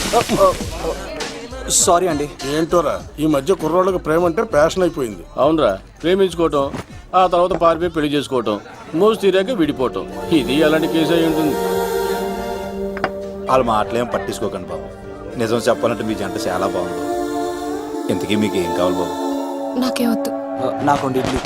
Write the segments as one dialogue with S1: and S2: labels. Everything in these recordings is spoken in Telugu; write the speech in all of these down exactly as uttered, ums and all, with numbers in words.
S1: సారీ అండి.
S2: ఏంటోరా ఈ మధ్య కుర్రోళ్ళకి ప్రేమ అంటే ప్యాషన్ అయిపోయింది.
S3: అవునరా, ప్రేమించుకోవటం ఆ తర్వాత పారిపోయి పెళ్లి చేసుకోవటం, మోజు తీరాక విడిపోవటం, ఇది అలాంటి కేసు అయి ఉంటుంది.
S1: వాళ్ళ మాటలేం పట్టించుకోకండి బాబు. నిజం చెప్పాలంటే మీ జంట చాలా బాగుంది. ఇంతకీ మీకు ఏం కావాలి బాబు?
S4: నాకేవద్దు.
S1: నాకు ఇడ్లీ.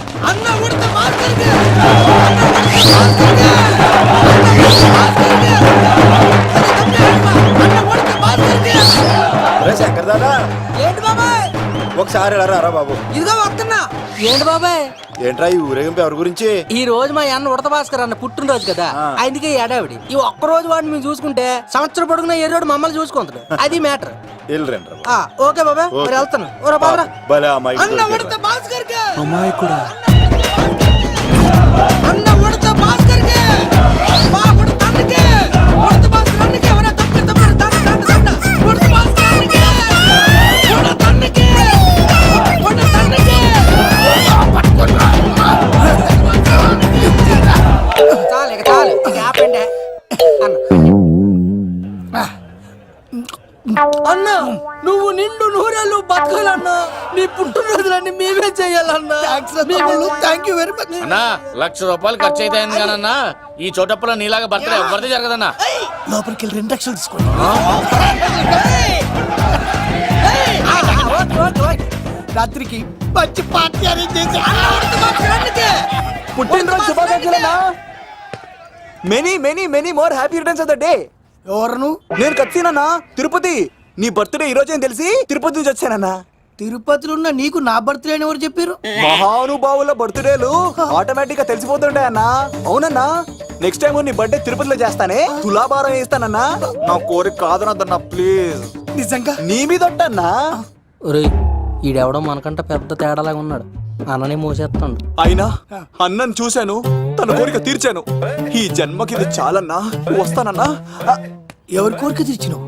S1: శంకర్ దాదా
S5: ఏంటి బాబాయ్?
S1: ఒకసారి ఎలా రా బాబు.
S5: ఇదిగో వస్తున్నా. ఏంటి బాబాయ్?
S1: ఏంట్రా ఈ ఊరేగింపు ఎవరి గురించి?
S5: ఈ రోజు మా అన్న ఉడత భాస్కర్ అన్న పుట్టినరోజు కదా, అందుకే ఏడావిడి. ఈ ఒక్క రోజు వాడిని మేము చూసుకుంటే సంవత్సరం పొడుగున ఏరోడు మమ్మల్ని చూసుకుంటాడు. అది మ్యాటర్. ఓకే బాబాయ్, మరి వెళ్తాను. అన్న ఉడత భాస్కర్
S1: అమ్మాయి కూడా
S5: అన్న ఉడత భాస్కర్ మా ఉడత అన్నకే ఉడత భాస్కర్ అన్నకే ఎవరైనా తప్పి తప్పి తండ తండ తండ ఉడత భాస్కర్ అన్నకే ఉడత అన్నకే ఉడత అన్నకే చాలు ఇక చాలు ఇక ఆపండి అన్న. అన్న నువ్వు నిండు నూరేళ్ళు బతకాలన్నా, నీ పుట్టినరోజులన్నీ మేమే చెయ్యాలన్నా. థ్యాంక్ యూ వెరీ మచ్
S3: అన్నా. లక్ష రూపాయలు ఖర్చు అయితే కదన్నా, ఈ చోటప్పులో నీలాగా బర్త్డే ఎవరిది జరగదన్నా.
S5: లోపలికి వెళ్ళి రెండు లక్షలు తీసుకోండి. రాత్రికి మంచి పార్టీ అరేంజ్ చేసి
S1: పుట్టినరోజు శుభాకాంక్షలన్నా. Many many many more happy returns of the day.
S5: ఎవరు?
S1: నేను కత్తినన్నా, తిరుపతి. నీ బర్త్డే ఈ రోజే తెలిసి తిరుపతి నుంచి వచ్చానన్నా.
S5: తిరుపతిలో ఉన్న నీకు నా బర్త్డే అని ఎవరు చెప్పారు?
S1: మహానుభావుల బర్త్డేలు ఆటోమేటిక్ గా తెలిసిపోతుంటాయన్నా. అవునన్నా, నెక్స్ట్ టైం నీ బర్త్డే తిరుపతిలో చేస్తానే, తులాభారం వేస్తానన్నా. నా కోరిక కాదనద్దన్నా ప్లీజ్.
S5: నిజంగా
S1: నీ మీద ఒట్టన్నా.
S5: ఒరే ఈడెవడో మనకంట పెద్ద తేడాలాగా ఉన్నాడు, అన్ననే మోసేస్తాడు.
S1: అయినా అన్నను చూశాను, తన కోరిక తీర్చాను. ఈ జన్మకి ఇది చాలన్నా, వస్తానన్నా.
S5: ఎవరి కోరిక తీర్చినావు?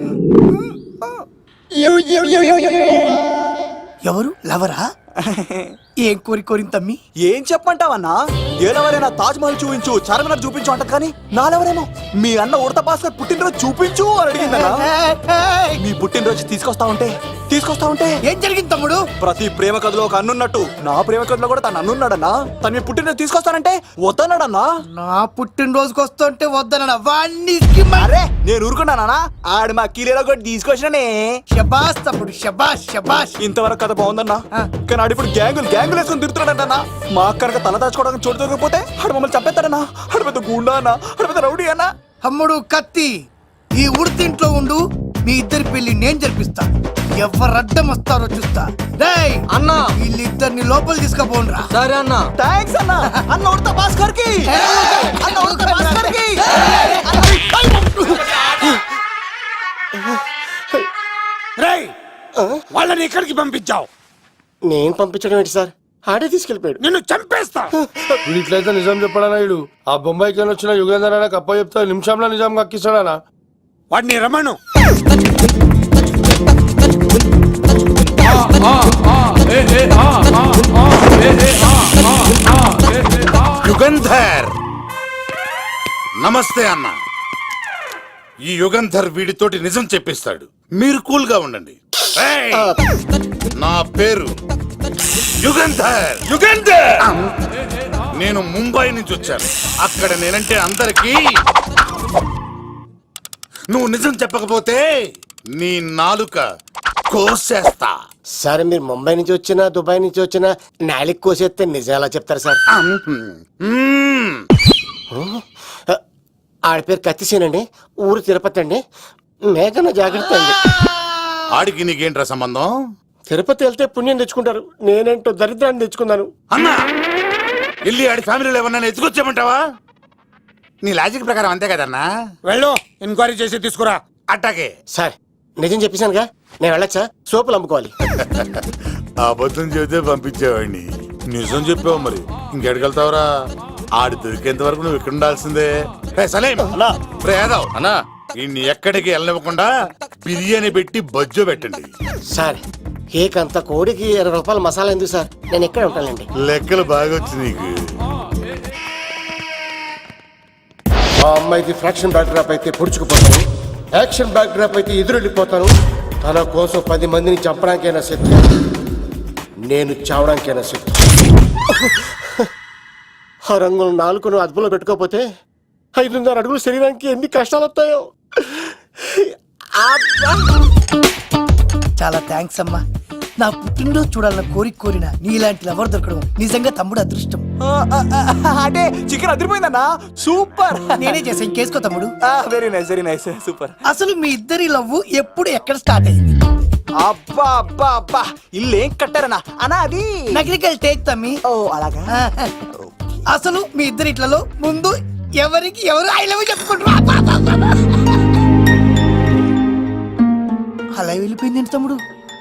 S5: ఎవరు? లవరా? ఏం కోరి కోరింది తమ్మి?
S1: ఏం చెప్పంటావన్నా? ఏలెవరైనా తాజ్ మహల్ చూపించు, చార్మినార్ చూపించు అంట, కానీ నాలెవరేమో మీ అన్న ఉడత భాస్కర్ పుట్టినరోజు చూపించు అని అడిగిందన్నా. మీ పుట్టినరోజు తీసుకొస్తా ఉంటే తీసుకొస్తా ఉంటే
S5: ఏం జరిగింది తమ్ముడు?
S1: ప్రతి ప్రేమ కథలో ఒక అన్నున్నట్టు నా ప్రేమ కథలో కూడా తను అన్నున్నాడన్నా. తను మీ పుట్టినరోజు తీసుకొస్తానంటే వద్దన్నాడన్నా.
S5: నా పుట్టినరోజుకి వస్తుంటే వద్దన వాణ్ణి.
S1: అరే నేను ఊరుకున్నానా? ఆడు మా కీలేలో కూడా తీసుకొచ్చిననే.
S5: శబాష్ తమ్ముడు, శబాష్ శబాష్.
S1: ఇంతవరకు కథ బాగుందన్నా, కానీ ఆడు ఇప్పుడు గ్యాంగులు గ్యాంగులు వేసుకొని తిరుగుతున్నాడన్నా. మా అక్కడికి తల దాచుకోవడానికి చోటు దొరికిపోతే ఆడు మమ్మల్ని చంపేస్తాడన్నా. ఆడు పెద్ద గుండా అన్నా, ఆడు పెద్ద రౌడీ అన్నా.
S5: తమ్ముడు కత్తి, ఈ ఉడితింట్లో ఉండు, మీ ఇద్దరి పెళ్లి నేను జరిపిస్తా. ఎవరు అడ్డం వస్తారో చూస్తా. డేయ్ అన్న, వీళ్ళిద్దరిని లోపల తీసుకుపోండ్రా. సరే అన్న.
S1: థాంక్స్ అన్న. అన్న ఉడత భాస్కర్ కి, అన్న ఉడత భాస్కర్ కి.
S2: రేయ్, వాళ్ళని ఎక్కడికి పంపించావు?
S6: నేను పంపించడం ఏంటి సార్, ఆడే తీసుకెళ్ళిపోయాడు.
S2: నిన్ను చంపేస్తా.
S7: ఇట్లయితే నిజం చెప్పడానా? ఇడు ఆ బొంబాయికి వచ్చిన యుగేందర్ అన్న కప్ప చెప్తా నిమిషంలో నిజం కక్కిస్తాడానా?
S2: వాడిని రమణు.
S8: యుగంధర్ నమస్తే అన్న. ఈ యుగంధర్ వీడితోటి నిజం చెప్పిస్తాడు, మీరు కూల్ గా ఉండండి. నా పేరు యుగంధర్. యుగంధర్ నేను ముంబై నుంచి వచ్చాను. అక్కడ నేనంటే అందరికీ. నువ్వు నిజం చెప్పకపోతే నీ నాలుక కోసేస్తా.
S6: సార్ మీరు ముంబై నుంచి వచ్చినా దుబాయ్ నుంచి వచ్చినా నాలిక్ కోసేస్తే నిజం ఎలా చెప్తారు సార్? ఆడి పేరు కత్తిసేనండి, ఊరు తిరుపతి అండి. మేఘన జాగ్రత్త అండి.
S8: ఆడికి నీకేంట్రా సంబంధం?
S6: తిరుపతి వెళ్తే పుణ్యం తెచ్చుకుంటారు, నేనేంటో దరిద్రాన్ని తెచ్చుకున్నాను.
S8: అన్నా వెళ్ళి ఆడి ఫ్యామిలీలో ఎవరన్నా ఎత్తుకొచ్చామంటావా? నీ లాజిక్ ప్రకారం అంతే కదన్నా.
S2: వెళ్ళు, ఎంక్వైరీ చేసి తీసుకురా.
S8: అట్టాకే
S6: సార్ నిజం చెప్పేశానుగా, నేను వెళ్ళొచ్చా? సోపులు అమ్ముకోవాలి.
S8: అబద్ధం చెబితే పంపించేవాడిని, నిజం చెప్పావు మరి ఇంకెడగలుగుతావురా? ఆడి దొరికేంత వరకు నువ్వు ఇక్కడ ఉండాల్సిందే.
S3: అన్నా
S8: ఇన్ని ఎక్కడికి వెళ్ళనివ్వకుండా బిర్యానీ పెట్టి బజ్జో పెట్టండి.
S6: సార్ కేకంత కోడికి ఇరవై రూపాయలు మసాలా ఎందుకు సార్, నేను ఎక్కడ ఉంటానండి.
S8: లెక్కలు బాగా వచ్చి నీకు.
S6: ఆ అమ్మాయికి ఫ్రాక్షన్ డాక్టర్ అయితే పొడుచుకుపోతాను. యాక్షన్ బ్యాక్ డ్రాప్ అయితే ఎదురు వెళ్ళిపోతాను. తన కోసం పది మందిని చంపడానికైనా సిద్ధం, నేను చావడానికైనా సిద్ధం. ఆ రంగులు నాలుగును అదుపులో పెట్టుకోకపోతే ఐదున్నర అడుగులు శరీరానికి ఎన్ని కష్టాలు వస్తాయో.
S4: చాలా థ్యాంక్స్ అమ్మా. నా పుట్టినరోజు చూడాలన్న కోరిక కోరిన నీలాంటి లవర్ దొరకడం నిజంగా తమ్ముడు అదృష్టం.
S1: ఆ, ఆ, ఆ, అంటే చికెన్ అదిరిపోయిందన్నా, సూపర్.
S4: నేనే చేసా, ఇంకేసుకో తమ్ముడు.
S1: Very nice very nice super.
S4: అసలు మీ ఇద్దరి లవ్ ఎప్పుడు ఎక్కడ స్టార్ట్ అయింది?
S1: అబ్బా అబ్బా అబ్బా, ఇల్లు ఏం కట్టారన్నా అన్నా అది?
S4: నగరికల్ టేక్ తమ్మి.
S1: ఓ అలాగా.
S4: అసలు మీ ఇద్దరి ఇట్లలో ముందు ఎవరికి ఎవరు ఐ లవ్ చెప్పుకుంటారు? అలా వెళ్ళిపోయింది ఏంటి తమ్ముడు?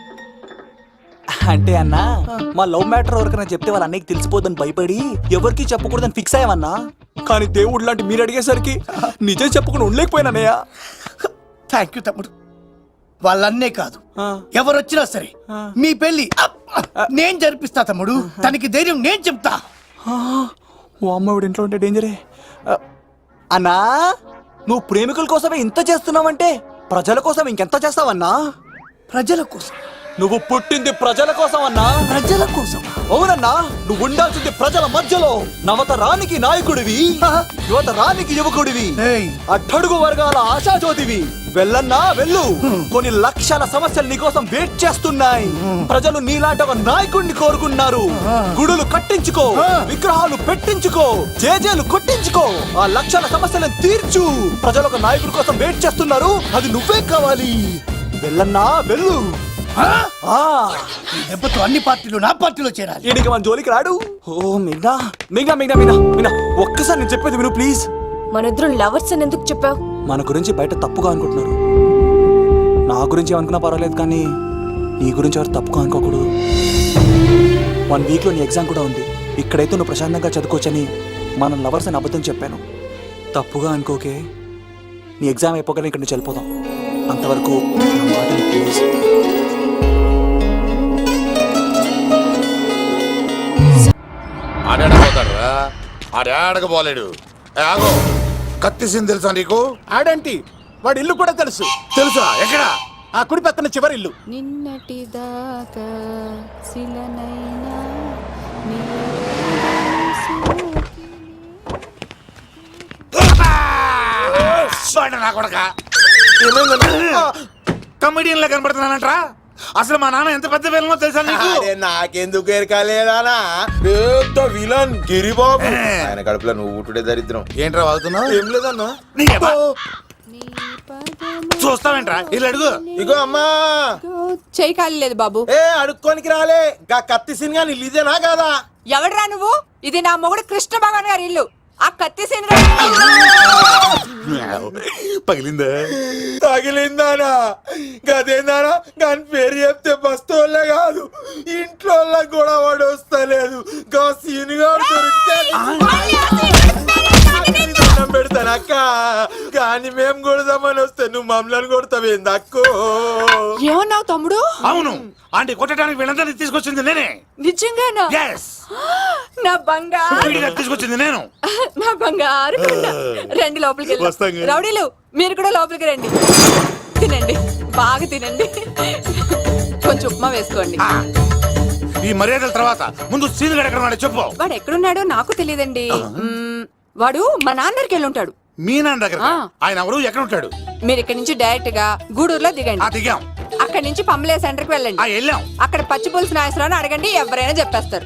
S1: అంటే అన్నా మా లవ్ మ్యాటర్ ఎవరికైనా చెప్తే వాళ్ళ అన్నయ్యకి తెలిసిపోద్దని భయపడి ఎవరికి చెప్పకూడదని ఫిక్స్ అయ్యామన్నా. కానీ దేవుడు లాంటి మీరు అడిగేసరికి నిజం చెప్పకుండా ఉండలేకపోయినానయ్య.
S4: థ్యాంక్ యూ తమ్ముడు. వాళ్ళన్నే కాదు, ఎవరొచ్చినా సరే మీ పెళ్లి నేను జరిపిస్తా తమ్ముడు. తనకి ధైర్యం నేను చెప్తా.
S1: ఓ అమ్మవిడు ఇంట్లో ఉంటే డేంజరే. అన్నా నువ్వు ప్రేమికుల కోసమే ఇంత చేస్తున్నావంటే ప్రజల కోసం ఇంకెంత చేస్తావన్నా?
S4: ప్రజల కోసం.
S1: నువ్వు పుట్టింది ప్రజల కోసం అన్నా.
S4: ప్రజల కోసం?
S1: అవునన్నా, నువ్వు ఉండాల్సింది ప్రజల మధ్యలో. నవతరానికి నాయకుడివి, యువతరానికి యువకుడివి,
S4: ఏయ్.
S1: అట్టడుగు వర్గాల ఆశాజ్యోతివి. వెళ్ళన్నా వెళ్ళు, కొన్ని లక్షల సమస్యలు నీకోసం వెయిట్ చేస్తున్నాయి. ప్రజలు నీలాంటి ఒక నాయకుడిని కోరుకున్నారు. గుడులు కట్టించుకో, విగ్రహాలు పెట్టించుకో, జేజేలు కొట్టించుకో, ఆ లక్షల సమస్యలను తీర్చు. ప్రజలు ఒక నాయకుడి కోసం వెయిట్ చేస్తున్నారు, అది నువ్వే కావాలి. వెళ్ళన్నా వెళ్ళు.
S4: ఆ, ఈ దెబ్బతో అన్ని పార్టీలు నా పార్టీలో చేరాలి.
S1: ఈడికి మన జోలికి రాడు. ఓ మిగ్నా మిగ్నా మిగ్నా మిగ్నా మిగ్నా ఒక్కసారి నేను చెప్పేది విను ప్లీజ్.
S9: మన ఇద్దరు లవర్స్ అని ఎందుకు చెప్పావు?
S1: మన గురించి బయట తప్పుగా అనుకుంటున్నారు. నా గురించి ఏమనుకున్నా పర్వాలేదు, కానీ నీ గురించి ఎవరు తప్పుగా అనుకోకూడదు. వన్ వీక్లో నీ ఎగ్జామ్ కూడా ఉంది. ఇక్కడైతే నువ్వు ప్రశాంతంగా చదువుకోవచ్చని మనం లవర్స్ అని అబద్ధం చెప్పాను. తప్పుగా అనుకోకే. నీ ఎగ్జామ్ అయిపోగానే ఇక్కడ నుంచి వెళ్ళిపోదాం. అంతవరకు నా మాటని ప్లీజ్.
S8: ఆడాడపోతాడు ఆడాడకపోలేడు. ఆగో, కత్తిసింది తెలుసా నీకు?
S2: ఆడంటి వాడి ఇల్లు కూడా తెలుసు.
S8: తెలుసా? ఎక్కడ?
S2: ఆ కుడి పక్కన చివరి ఇల్లు.
S9: నిన్నటి దాకా శిలనైనా
S8: నా కొడక కమెడియన్ లా కనబడుతున్నానంట్రా. అసలు మా నాన్న ఎంత పెద్ద విలనో తెలుసా నీకు?
S6: నాకెందుకు ఎరకాలేదానా? పెద్ద విలన్ గిరిబాబు. ఆయన కడుపులో నువ్వు ఊటుడే దరిద్రం.
S8: ఏంట్రా వాగుతున్నావు?
S6: ఏం లేదన్నా.
S8: చూస్తావేంట్రా? ఇల్లు అడుగు.
S6: ఇగో అమ్మా,
S9: చేయి ఖాళీ లేదు బాబు.
S6: ఏ అడుక్కోనికి రాలే. గా కత్తి సినిమా నీళ్ళు ఇదేనా కాదా?
S9: ఎవడరా నువ్వు? ఇది నా మొగుడు కృష్ణ భగవాన్ గారి ఇల్లు. ఆ కత్తి సీన్
S8: పగిలిందా?
S6: తగిలిందానా? గదేందానా? దాని పేరు చెప్తే బస్తోళ్ళే కాదు, ఇంట్లో కూడా వాడు వస్తలేదు. గా సీనుగా దొరికితే పెడతాను అక్క. కానీ మేము కొడదామని వస్తే నువ్వు మమ్మల్ని కొడతావేంది అక్కో?
S9: ఏమన్నావు తమ్ముడు?
S8: అవును, ఆంటీ కొట్టడానికి వీళ్ళందరినీ తీసుకొచ్చింది నేనే.
S9: నిజంగానా?
S8: Yes.
S9: నా బంగారు
S8: విడిగా తీసుకొచ్చింది నేను.
S9: నా బంగారు కొండ. రండి లోపలికి
S8: వస్తాం
S9: వెళ్దాం.
S8: కదా.
S9: రౌడీలు మీరు కూడా లోపలికి రండి. తినండి, బాగా తినండి. కొంచెం ఉప్మా వేసుకోండి.
S8: ఆ, ఈ మర్యాదల తర్వాత ముందు సీన్ ఎక్కడ ఉన్నాడో చెప్పు.
S9: వాడు ఎక్కడున్నాడో నాకు తెలియదండి. మ్మ్, వాడు మా నాన్నకి వెళ్ళి ఉంటాడు.
S8: మీ నాన్న దగ్గర?
S9: ఆ.
S8: ఆయన ఎవరు? ఎక్కడ ఉంటాడు?
S9: మీరు ఇక్కడ నుంచి డైరెక్ట్ గా గూడూరులో
S8: ఆ
S9: దిగండి.
S8: దిగాం.
S9: అక్కడ నుంచి పంబలే సెంటర్ కి వెళ్ళండి.
S8: ఆ వెళ్ళాం.
S9: అక్కడ పచ్చి పులుసు నాయసరావు అడగండి, ఎవరైనా చెప్పేస్తారు.